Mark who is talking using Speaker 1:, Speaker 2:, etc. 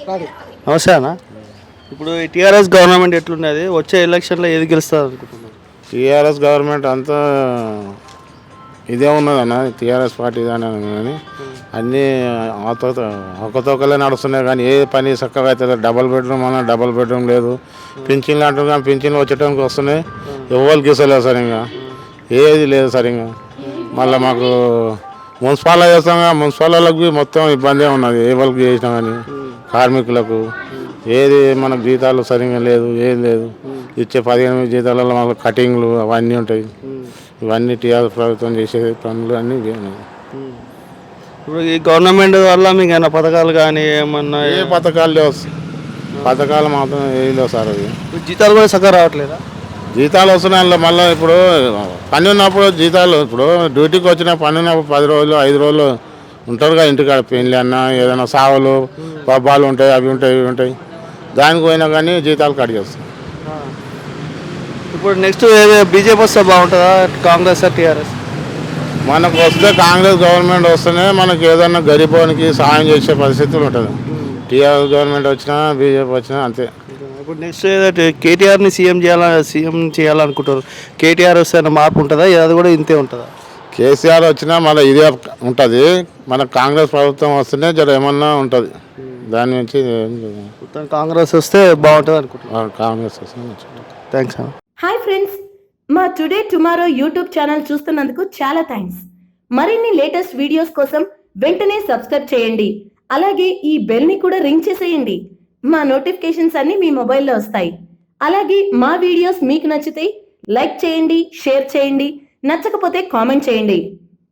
Speaker 1: నమస్తే అన్న. ఇప్పుడు ఈ టీఆర్ఎస్ గవర్నమెంట్ ఎట్లున్నది, వచ్చే ఎలక్షన్లో ఏది గెలుస్తుంది అనుకుంటున్నారు?
Speaker 2: టీఆర్ఎస్ గవర్నమెంట్ అంతా ఇదే ఉన్నదన్న, టీఆర్ఎస్ పార్టీ ఇదే కానీ అన్నీ ఒక్కతొక్కలే నడుస్తున్నాయి కానీ ఏ పని చక్కగా అవుతుంది. డబల్ బెడ్రూమ్ అన్న డబల్ బెడ్రూమ్ లేదు. పింఛన్లు అంటారు కానీ పింఛన్లు వచ్చేటానికి వస్తున్నాయి, ఎవరికి ఇస్తలేదు సరిగ్గా, ఏది లేదు సరిగ్గా. మళ్ళీ మాకు మున్సిపాల్లో చేస్తాం, మున్సిపాలకి మొత్తం ఇబ్బందే ఉన్నది. ఏ వాళ్ళకి చేసినా కానీ కార్మికులకు ఏది మనకు జీతాలు సరిగ్గా లేదు, ఏది లేదు. ఇచ్చే 15 జీతాలలో మాకు కటింగ్లు అవన్నీ ఉంటాయి. ఇవన్నీ టీఆర్ఎస్ ప్రభుత్వం చేసే పనులు అన్నీ ఉన్నాయి.
Speaker 1: ఇప్పుడు ఈ గవర్నమెంట్ వల్ల మీకు ఏమైనా పథకాలు కానీ ఏమన్నా?
Speaker 2: ఏ పథకాలు లేవు, పథకాలు మాత్రం ఏది లేవు సార్. అవి
Speaker 1: జీతాలు కూడా చక్కగా రావట్లేదా?
Speaker 2: జీతాలు వస్తున్నాయి మళ్ళీ. ఇప్పుడు పని ఉన్నప్పుడు జీతాలు, ఇప్పుడు డ్యూటీకి వచ్చిన పని ఉన్నప్పుడు 10 రోజులు 5 రోజులు ఉంటారుగా ఇంటికాడ. పెళ్ళి అన్న ఏదైనా సావులు పబ్బాలు ఉంటాయి, అవి ఉంటాయి ఇవి ఉంటాయి. దానికి పోయినా కానీ జీతాలు కట్ చేస్తాం.
Speaker 1: ఇప్పుడు నెక్స్ట్ బీజేపీ వస్తే బాగుంటుందా, కాంగ్రెస్ టీఆర్ఎస్?
Speaker 2: మనకు వస్తే కాంగ్రెస్ గవర్నమెంట్ వస్తేనే మనకి ఏదన్నా గరీబోనికి సహాయం చేసే పరిస్థితులు ఉంటుంది. టీఆర్ఎస్ గవర్నమెంట్ వచ్చినా బీజేపీ వచ్చినా అంతే.
Speaker 1: ఇప్పుడు నెక్స్ట్ కేటీఆర్ని సీఎం చేయాలనుకుంటారు. కేటీఆర్ వస్తే మార్పు ఉంటుందా, అది కూడా ఇంతే ఉంటుందా?
Speaker 2: కేసీఆర్ వచ్చినా మళ్ళీ ఇదే ఉంటుంది. మన కాంగ్రెస్ ప్రభుత్వం వస్తేనే జర ఏమన్నా ఉంటుంది. దాని నుంచి
Speaker 1: మొత్తం కాంగ్రెస్ వస్తే బాగుంటుంది అనుకుంటున్నాను.
Speaker 2: కాంగ్రెస్ వస్తే
Speaker 1: థ్యాంక్స్ అన్న.
Speaker 3: హాయ్ ఫ్రెండ్స్, మా టుడే టుమారో యూట్యూబ్ ఛానల్ చూస్తున్నందుకు చాలా థ్యాంక్స్. మరిన్ని లేటెస్ట్ వీడియోస్ కోసం వెంటనే సబ్స్క్రైబ్ చేయండి. అలాగే ఈ బెల్ ని కూడా రింగ్ చేసేయండి. మా నోటిఫికేషన్స్ అన్ని మీ మొబైల్లో వస్తాయి. అలాగే మా వీడియోస్ మీకు నచ్చితే లైక్ చేయండి, షేర్ చేయండి, నచ్చకపోతే కామెంట్ చేయండి.